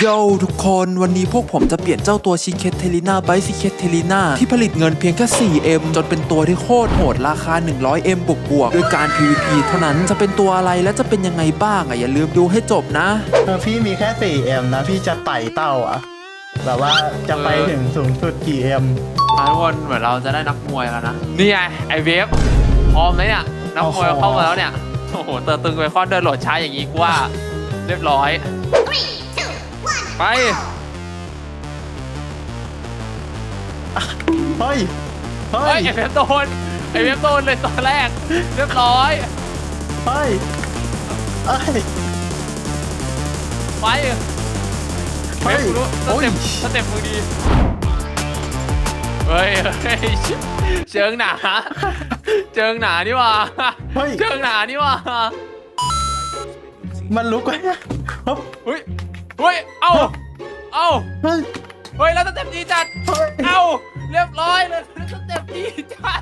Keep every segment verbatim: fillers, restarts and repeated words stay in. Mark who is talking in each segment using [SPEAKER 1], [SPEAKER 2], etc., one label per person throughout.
[SPEAKER 1] โย่ทุกคนวันนี้พวกผมจะเปลี่ยนเจ้าตัวชิเคทเทลิน่าไบซิเคทเทลิน่าที่ผลิตเงินเพียงแค่ สี่เอ็ม จนเป็นตัวที่โคตรโหดราคา หนึ่งร้อยเอ็ม บวกบวกด้วยการ พี วี พี เท่านั้นจะเป็นตัวอะไรและจะเป็นยังไงบ้างอ่ะอย่าลืมดูให้จบนะ
[SPEAKER 2] เออพี่มีแค่ สี่เอ็ม นะพี่จะไต่เต้าอ่ะแบบว่าจะไปถึงสูงสุดกี่เอ็ม
[SPEAKER 3] ทุกคนเหมือนเราจะได้นักมวยแล้วนะนี่ไงไอเวฟพร้อมไหมเนี่ยนักมวยเข้ามาแล้วเนี่ยโอ้โหเตอร์ตึงไปคอนเดินโหลดช้าอย่างนี้กูว่าเรียบร้อยไป
[SPEAKER 2] เฮ้ยเฮ้
[SPEAKER 3] เฮ้
[SPEAKER 2] ย
[SPEAKER 3] ยไอเวฟโดนไอเวฟโดนเลยตอนแรกเรียบร้อย
[SPEAKER 2] เฮ้ยเฮ้ย
[SPEAKER 3] ไปเวฟรู้สเต็ปสเต็ปมือดีเฮ้ยเฮ้ยเชิงหนาเชิงหนานี่ว่าเชิงหนานี่ว่า
[SPEAKER 2] มันลุกไว้
[SPEAKER 3] เฮ้ยเฮ้ยเอ้าเอ้าเฮ้ยเฮ้ยแล้วสเต็ปดีจัดเอ้าเรียบร้อยเลยสเต็ปดีจัด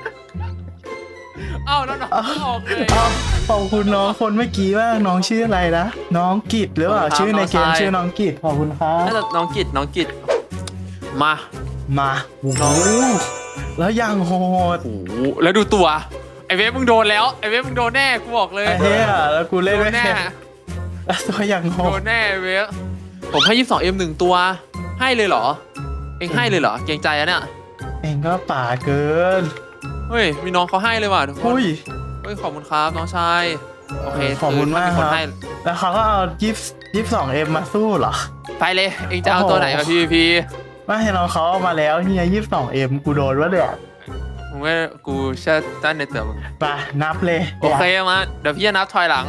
[SPEAKER 3] เอ้าแล้วน้องออกเลย
[SPEAKER 2] ขอบคุณน้องคนเมื่อกี้ว่าน้องชื่ออะไรนะน้องกิจหรือเปล่าชื่อในเกมชื่อน้องกิจขอบคุณครับ
[SPEAKER 3] น่าจะน้องกิจน้องกิจมา
[SPEAKER 2] มาโอ้โหแล้วยังโหด
[SPEAKER 3] โอ้โหแล้วดูตัวไอเวฟมึงโดนแล้วไอเวฟมึงโดนแน่กูบอกเลย
[SPEAKER 2] ไอ้เหี้ยแล้วกูเล่นไม่
[SPEAKER 3] แน่
[SPEAKER 2] แล้วตัวยังโหด
[SPEAKER 3] โดนแน่เวฟผมให้ยี่สิบสองเอ็มหนึ่งตัวให้เลยเหรอเองให้เลยเหรอเกรงใจอะเนี่ย
[SPEAKER 2] เองก็ป่าเกิน
[SPEAKER 3] เฮ้ยมีน้องเขาให้เลยว่ะทุกคน
[SPEAKER 2] อุ้ย
[SPEAKER 3] เฮ้ยขอบคุณครับน้องชายโอเค
[SPEAKER 2] ขอบคุณมากครับแล้วเขาก็เอายี่สิบยี่สิบสองเอ็มมาสู้เหรอ
[SPEAKER 3] ไปเลยเองจะเอาตัวไหนมาพีพีพี
[SPEAKER 2] ไม่ให้น้องเขาเอามาแล้วเฮียยี่สิบสองเอ็มกูโดนวะเนี่ย
[SPEAKER 3] มึงว่ากูเชื่อตั้นในเตือมึง
[SPEAKER 2] ไปนับเลย
[SPEAKER 3] โอเคมาเดี๋ยวพี่จะนับถอยหลัง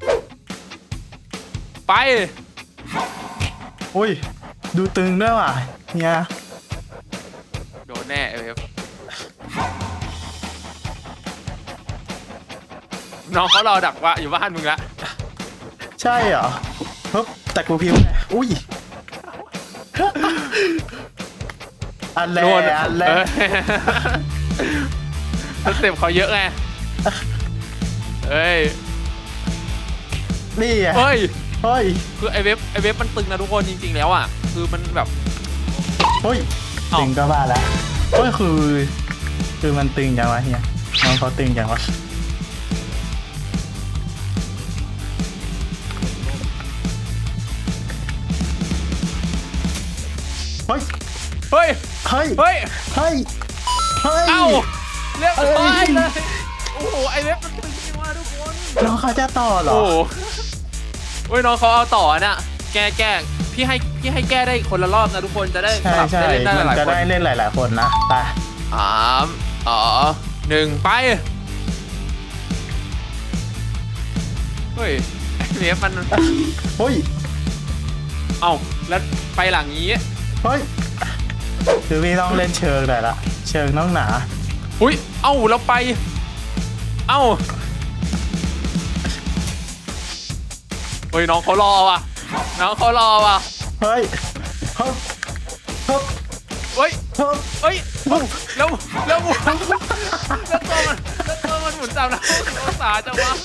[SPEAKER 3] ไป
[SPEAKER 2] อุ้ยดูตึงด้วยว่ะเฮีย
[SPEAKER 3] โดนแน่เอฟน้องเขารอดักว่าอยู่บ้านมึงละ
[SPEAKER 2] ใช่เหรอเฮ้ยแต่กูพิมพ์อุ้ยอันแรกอันแรก
[SPEAKER 3] สเต็ปเขาเยอะไงเฮ้ย
[SPEAKER 2] นี่
[SPEAKER 3] เฮ้ย
[SPEAKER 2] เฮ้ย
[SPEAKER 3] คือไอเว็บไอเว็บมันตึงนะทุกคนจริงๆแล้วอ่ะคือมันแบบ
[SPEAKER 2] เฮ้ยตึงก็บ้าแล้วเฮ้ยคือคือมันตึงจังวะเฮียน้องเขาตึงจังวะเฮ้ย
[SPEAKER 3] เฮ้ย
[SPEAKER 2] เฮ้ย
[SPEAKER 3] เฮ้ย
[SPEAKER 2] เฮ้ยเฮ้ย
[SPEAKER 3] เอ้าเรียบร้อยเลยโอ้โหไอเว็บมันตึงจริงว่ะทุกคน
[SPEAKER 2] น้องเขาจะต่อเหรอ
[SPEAKER 3] โอ้เฮ้ยน้องเขาเอาต่อน่ะแก้แก้พี่ให้พี่ให้แก้ได้คนละรอบนะทุกคนจะได้
[SPEAKER 2] สลับได้เล่นได้หลายคนจะได้เล่นหลายๆคนนะไป
[SPEAKER 3] สามอ๋อหนึ่งไปเฮ้ยเว็บมัน
[SPEAKER 2] เฮ้ย
[SPEAKER 3] เอ้าแล้วไปหลังนี้
[SPEAKER 2] เฮ้ยคือพี่ต้องเล่นเชิงหน่อยละเชิงน้องหนา
[SPEAKER 3] อุ้ยเอ้าเราไปเอ้าเฮ้ยน้องเขารอว่ะน้องเขารอว่ะ
[SPEAKER 2] เฮ้ยเฮ้ย
[SPEAKER 3] เฮ้ยเฮ้ยแล้วแล้วหมุนแล้วตัวมันแล้วตัวมันหมุนตามนะองศาจังวะ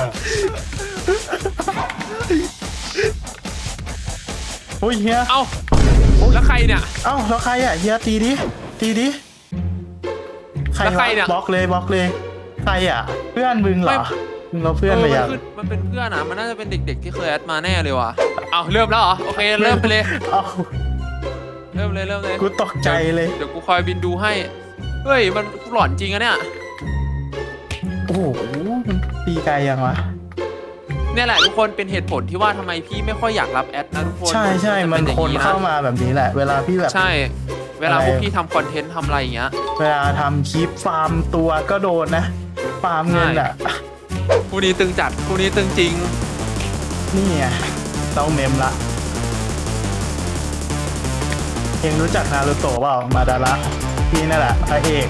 [SPEAKER 2] โอ้ยเฮีย
[SPEAKER 3] เอ้าแล้วใครเนี่ย
[SPEAKER 2] เอ้าแล้วใครอ่ะเฮียตีดิตีดิ
[SPEAKER 3] ใครเนี่ย
[SPEAKER 2] บล็อกเลยบล็อกเลยใครอ่ะเพื่อนมึงเหรอมึงเราเพื่อนไปยัง
[SPEAKER 3] มันเป็นเพื่อนนะมันน่าจะเป็นเด็กๆที่เคยแอดมาแน่เลยว่ะเอาเริ่มแล้วเหรอโอเคเริ่มไปเลยเริ่มเลยเริ่มเลย
[SPEAKER 2] กูตกใจเลย
[SPEAKER 3] เดี๋ยวกูคอยบินดูให้เฮ้ยมันหลอนจริงอะเนี่ย
[SPEAKER 2] โอ้โหมันตีไกลยังวะ
[SPEAKER 3] เนี่ยแหละทุกคนเป็นเหตุผลที่ว่าทำไมพี่ไม่ค่อยอยากรับแอดนะทุกคน
[SPEAKER 2] ใช่ใช่มันคนเข้ามาแบบนี้แหละเวลาพี่แบบ
[SPEAKER 3] ใช่เวลาพวกพี่ทำคอนเทนต์ทำอะไรอย่างเงี้ย
[SPEAKER 2] เวลาทำคลิปฟาร์มตัวก็โดนนะฟาร์มเงินอ่ะ
[SPEAKER 3] คู่นี้ตึงจัดคู่นี้ตึงจริง
[SPEAKER 2] นี่ไงต้องเมมละเองรู้จักนารูโตะเปล่ามาดาระพี่นั่นแหละพระเอก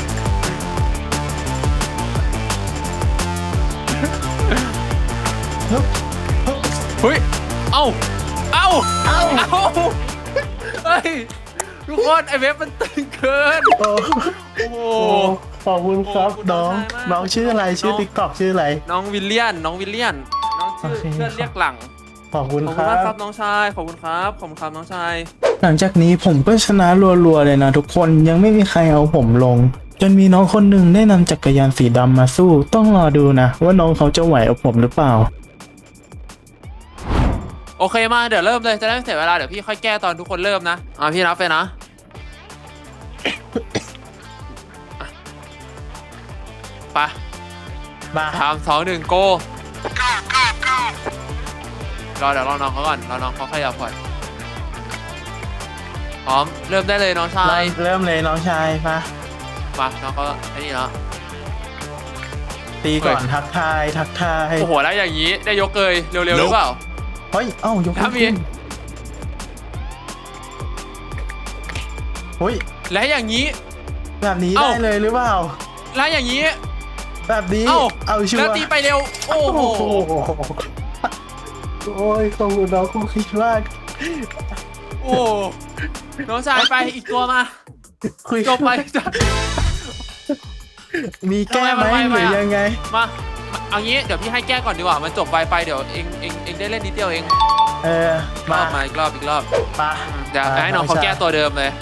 [SPEAKER 3] เฮ้ยเอ้าเอ้าเอ้าเอ้าเฮ้ยทุกคนไอเว็บมันตึงเกินโอ้โห
[SPEAKER 2] ขอบคุณครับน้องน้องชื่ออะไรชื่อติ๊กต็อกชื่ออะไร
[SPEAKER 3] น้องวิลเลียนน้องวิลเลียนน้องชื่อเพื่อนเรียกหลัง
[SPEAKER 2] ขอบคุณ
[SPEAKER 3] ขอบ
[SPEAKER 2] ค
[SPEAKER 3] คุณ
[SPEAKER 2] รั
[SPEAKER 3] มาก
[SPEAKER 2] บ
[SPEAKER 3] ครับน้องชายขอบคุณครับขอบคุณครับน้องชาย
[SPEAKER 2] หลังจากนี้ผมก็ชนะรัวๆเลยนะทุกคนยังไม่มีใครเอาผมลง จนมีน้องคนหนึ่งได้นำจักรยานสีดำมาสู้ ต้องรอดูนะว่าน้องเขาจะไหวเอาผมหรือเปล่า
[SPEAKER 3] โอเคมาเดี๋ยวเริ่มเลยจะได้ไม่เสียเวลาเดี๋ยวพี่ค่อยแก้ตอนทุกคนเริ่มนะอ่ะพี่นับไปนะ ไป
[SPEAKER 2] มา
[SPEAKER 3] สามสองหนึ่งโกรอเดี๋ยวรอน้องเขาก่อนรอน้องเขาขยับก่อนพร้อมเริ่มได้เลยน้องชาย
[SPEAKER 2] เริ่มเลยน้องชายมา
[SPEAKER 3] มาน้องเขาไอ้นี่แล้ว
[SPEAKER 2] ตีก่อน
[SPEAKER 3] เฮ้ย
[SPEAKER 2] ทักทายทักทาย
[SPEAKER 3] โอ้โหแล้วอย่างนี้ได้ยกเลยเร็วๆหรือเปล่า
[SPEAKER 2] เฮ้ยเอ้ายก
[SPEAKER 3] ถ้ามี
[SPEAKER 2] ขึ้นเฮ้ย
[SPEAKER 3] และอย่างนี้
[SPEAKER 2] แบบนี้
[SPEAKER 3] เอ้า
[SPEAKER 2] ได้เลยหรือเปล่า
[SPEAKER 3] และอย่างนี้
[SPEAKER 2] แบบนี้
[SPEAKER 3] เอ้า
[SPEAKER 2] เอาชัว
[SPEAKER 3] แล้ว
[SPEAKER 2] ร์
[SPEAKER 3] ตีไปเร็วโอ้โห
[SPEAKER 2] โอ้ยขอบคุณน้องคุณคิดมาก
[SPEAKER 3] โอ้น้องชายไปอีกตัวมา
[SPEAKER 2] คุย
[SPEAKER 3] จบไปจบ
[SPEAKER 2] มีแก้ไหม
[SPEAKER 3] ทำไมมัน
[SPEAKER 2] ห
[SPEAKER 3] ไว
[SPEAKER 2] รือ
[SPEAKER 3] ๆอะ
[SPEAKER 2] ยังไง
[SPEAKER 3] มาเอางี้เดี๋ยวพี่ให้แก้ก่อนดีกว่ามันจบไปไปเดี๋ยวเองเองเองได้เล่นนิดเดียวเอง
[SPEAKER 2] เออ
[SPEAKER 3] ร
[SPEAKER 2] มา
[SPEAKER 3] อบมาอีกรอบอีกรอบ
[SPEAKER 2] มา
[SPEAKER 3] เดี๋ยวให้น้องเขาแก้ตัวเดิมเลย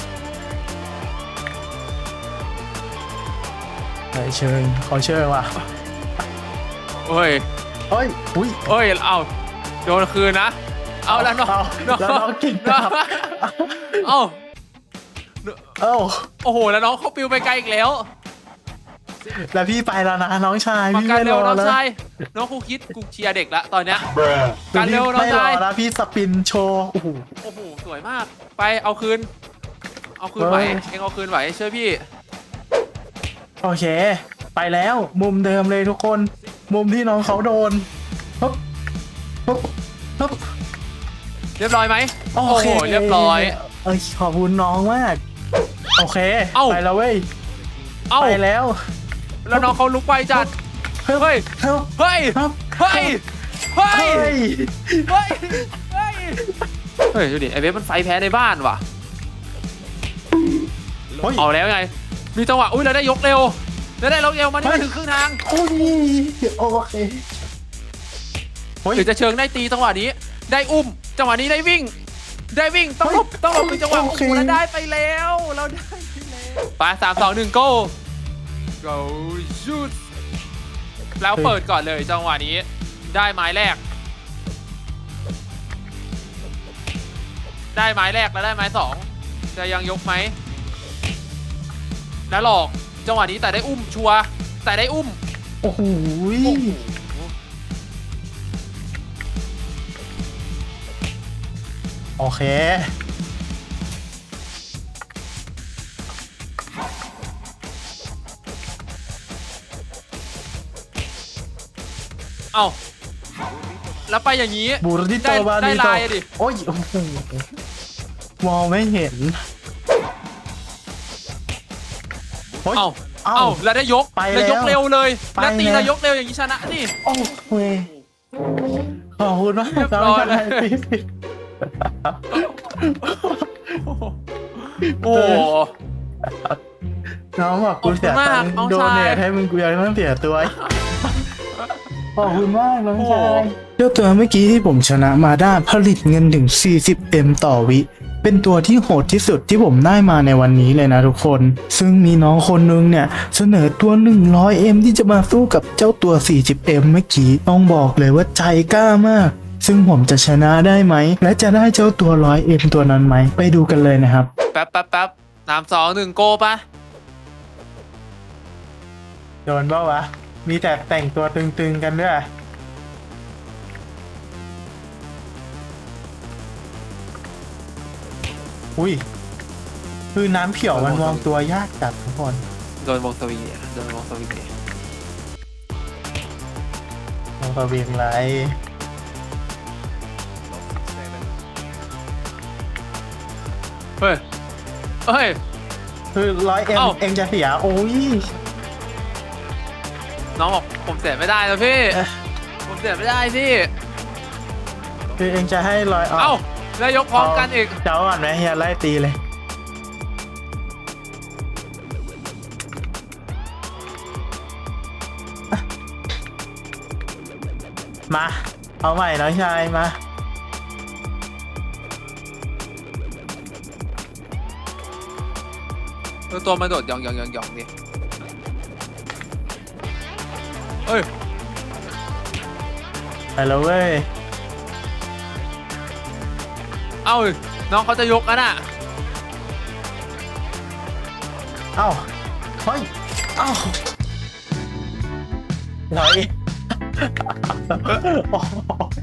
[SPEAKER 2] เฮ้ยเชิญขอเชิญว่ะ
[SPEAKER 3] โอ้ย
[SPEAKER 2] เฮ้ยอุ้ย
[SPEAKER 3] โอ้ยเอาโดนคืนนะเอาแล้วน้อง
[SPEAKER 2] เอาแล้วน้องกินกลับ
[SPEAKER 3] เอา
[SPEAKER 2] เอ้า
[SPEAKER 3] โอ้โหแล้วน้องเขาปิวไปไกลอีกแล้ว
[SPEAKER 2] แล้วพี่ไปแล้วนะน้องชาย
[SPEAKER 3] มา
[SPEAKER 2] พี่
[SPEAKER 3] การ
[SPEAKER 2] ไม่
[SPEAKER 3] เร็
[SPEAKER 2] ร
[SPEAKER 3] ว
[SPEAKER 2] อ
[SPEAKER 3] น้อง
[SPEAKER 2] แล้ว
[SPEAKER 3] ชายน้องครูคิดกูเชียร์เด็กละตอนเนี้ย การเร็วน้อง
[SPEAKER 2] ไม่รอ
[SPEAKER 3] ชาย
[SPEAKER 2] แล้วพี่สปินโชว์โอ้โห
[SPEAKER 3] โอ้โหสวยมากไปเอาคืน เอาคืนไหว
[SPEAKER 2] เฮ้ย
[SPEAKER 3] เองเอาคืนไหวเชื่อพี่
[SPEAKER 2] โอเค ไปแล้วมุมเดิมเลยทุกคน มุมที่น้องเขาโดนปุ๊บปุ๊บปุ๊บ
[SPEAKER 3] เรียบร้อยไหม
[SPEAKER 2] โอ
[SPEAKER 3] โอ้
[SPEAKER 2] เค
[SPEAKER 3] โหเรียบร้อย
[SPEAKER 2] เอ้ยขอบคุณน้องมาก โอเค
[SPEAKER 3] เอ้า
[SPEAKER 2] ไปแล้วเว้ย
[SPEAKER 3] เอ้า
[SPEAKER 2] ไปแล้ว
[SPEAKER 3] แล้วน้องเขาลุกไปจัด
[SPEAKER 2] เฮ้ย
[SPEAKER 3] เฮ้ย
[SPEAKER 2] เฮ้ย
[SPEAKER 3] เฮ้ย
[SPEAKER 2] ครับ
[SPEAKER 3] เฮ้ย เฮ้ย
[SPEAKER 2] เฮ้ย
[SPEAKER 3] เฮ้ย เฮ้ย เฮ้ยดูดิไอเวฟมันไฟแพ้ในบ้านว่ะ
[SPEAKER 2] เฮ้ย
[SPEAKER 3] เอาแล้วไง มีจังหวะ อุ้ยเราได้ยกเร็วแล้วได้ยกเร็วมันไม่ถึงครึ่งทาง
[SPEAKER 2] โอ้ยโอเคเฮ้ย
[SPEAKER 3] หรือจะเชิงได้ตีจังหวะนี้ ได้อุ้ม จังหวะนี้ได้วิ่ง ได้วิ่ง ต้องหลบต้องหลบเป็นจังหวะ
[SPEAKER 2] โอ
[SPEAKER 3] โอ้
[SPEAKER 2] เค
[SPEAKER 3] โหแล้วได้ไปแล้ว เราได้ไปแล้วไปสามสองหนึ่ง go go shoot แล้วเปิดก่อนเลยจังหวะนี้ ได้ไม้แรก ได้ไม้แรกแล้วได้ไม้สองจะยังยกไหมแล้วหลอกจังหวะนี้แต่ได้อุ้มชัวร์แต่ได้อุ้ม
[SPEAKER 2] โอ้โห โอเค
[SPEAKER 3] เอ้าแล้วไปอย่างนี้
[SPEAKER 2] บูริโต
[SPEAKER 3] ได้
[SPEAKER 2] บา
[SPEAKER 3] ได้
[SPEAKER 2] ริโต
[SPEAKER 3] ลายอะดิ
[SPEAKER 2] โอ้ยโอ้โหมองไม่เห็นโอ้ย
[SPEAKER 3] เอ้า
[SPEAKER 2] เอ้า
[SPEAKER 3] เอ้าแล้วได้ยก
[SPEAKER 2] ไป
[SPEAKER 3] แล้วยก
[SPEAKER 2] แล้ว
[SPEAKER 3] เร็วเลย
[SPEAKER 2] ไป
[SPEAKER 3] แล้วตี
[SPEAKER 2] แล้ว
[SPEAKER 3] แล้วยกเร็วอย่างนี้ชนะนี่
[SPEAKER 2] โอ้โหขอบคุณมาก
[SPEAKER 3] เรียบร้อยเลย
[SPEAKER 2] พี่
[SPEAKER 3] โอ้โห
[SPEAKER 2] น้องบอกกูเสียตังค์
[SPEAKER 3] ขอบคุณมากน้อง
[SPEAKER 2] โด
[SPEAKER 3] ชาย
[SPEAKER 2] เนทให้มึงกูยังต้องเสียตัวขอบคุณมากน้อง
[SPEAKER 3] โอ้
[SPEAKER 2] ชายเจ้าตัวเมื่อกี้ที่ผมชนะมาได้ผลิตเงินถึง สี่สิบเอ็ม ต่อวิ เป็นตัวที่โหดที่สุดที่ผมได้มาในวันนี้เลยนะทุกคน ซึ่งมีน้องคนนึงเนี่ยเสนอตัว หนึ่งร้อยเอ็ม ที่จะมาสู้กับเจ้าตัว สี่สิบเอ็ม เมื่อกี้ต้องบอกเลยว่าใจกล้ามาก ซึ่งผมจะชนะได้ไหม และจะได้เจ้าตัว หนึ่งร้อยเอ็ม ตัวนั้นไหม ไปดูกันเลยนะครับ
[SPEAKER 3] แป๊บแป๊บแป๊บสามสองหนึ่งโกปะ
[SPEAKER 2] โดนเปล่าวะ มีแต่แต่งตัวตึงๆกันด้วย อุ้ย คือน้ำเขียวมันมองตัวยากจัดทุกคน
[SPEAKER 3] โดนวงสวิงเนี่ยโดนวงสวิงเนี่ย
[SPEAKER 2] มองตัวเบียงไร
[SPEAKER 3] เฮ้ยเฮ้ย
[SPEAKER 2] คือร้อยเอ็ม
[SPEAKER 3] เอ้า
[SPEAKER 2] เอ็มจะเสีย โอ้ย
[SPEAKER 3] น้องบอกผมเสียไม่ได้แล้วพี่
[SPEAKER 2] เอ๊ะ
[SPEAKER 3] ผมเสียไม่ได้พี่
[SPEAKER 2] คือเอ็งจะให้ร้อย
[SPEAKER 3] เอ้าแล้วยกพร้อมกันอีก
[SPEAKER 2] เจ้าก่อนไหมเฮียไล่ตีเลย มา เอาใหม่น้องชายมา
[SPEAKER 3] เออตัวมันโดดหยองหยองหยองหยองดิเอ้ย
[SPEAKER 2] ไปแล้วเว้ย
[SPEAKER 3] เอ้าน้องเขาจะยกกันอ่ะ
[SPEAKER 2] เอ้าเฮ้ยเอ้าหน่อยโอ้โห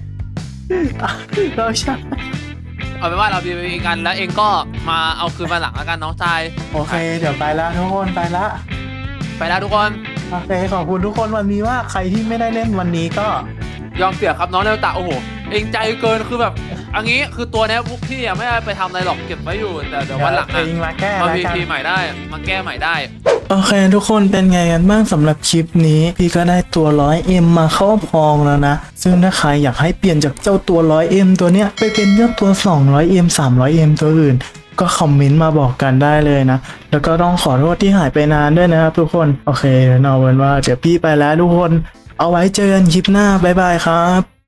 [SPEAKER 2] เราใช่
[SPEAKER 3] เอาเป็นว่าเราบีบีกันแล้วเองก็มาเอาคืนมาหลังแล้วกันน้องชาย
[SPEAKER 2] โอเค เดี๋ยวไปแล้วทุกคนไปละ
[SPEAKER 3] ไปแล้วทุกคน
[SPEAKER 2] โอเคขอบคุณทุกคนวันนี้ว่าใครที่ไม่ได้เล่นวันนี้ก็
[SPEAKER 3] ยอมเสียครับน้องเนวตะโอ้โหเองใจเกินคือแบบอันนี้คือตัวเนี้ยพวกพี่อะไม่ได้ไปทำอะไรหรอกเก็บไว้อยู่แต่เดี๋ยววันหลัง
[SPEAKER 2] เอ
[SPEAKER 3] อะ
[SPEAKER 2] งมาแก้
[SPEAKER 3] มา
[SPEAKER 2] แล้ว
[SPEAKER 3] พี
[SPEAKER 2] กัน
[SPEAKER 3] พีใหม่ได้มาแก้ใหม่ได้
[SPEAKER 2] โอเคทุกคนเป็นไงกันบ้างสำหรับคลิปนี้ พี่ก็ได้ตัว ร้อยเอ็ม มาครอบครองแล้วนะ ซึ่งถ้าใครอยากให้เปลี่ยนจากเจ้าตัว ร้อยเอ็ม ตัวเนี้ยไปเป็นเจ้าตัว สองร้อยเอ็ม สามร้อยเอ็ม ตัวอื่น ก็คอมเมนต์มาบอกกันได้เลยนะ แล้วก็ต้องขอโทษที่หายไปนานด้วยนะครับทุกคนโอเคเดี๋ยวเอาเป็นว่าเดี๋ยวพี่ไปแล้วทุกคนเอาไว้เจอกันคลิปหน้าบ๊ายบายครับ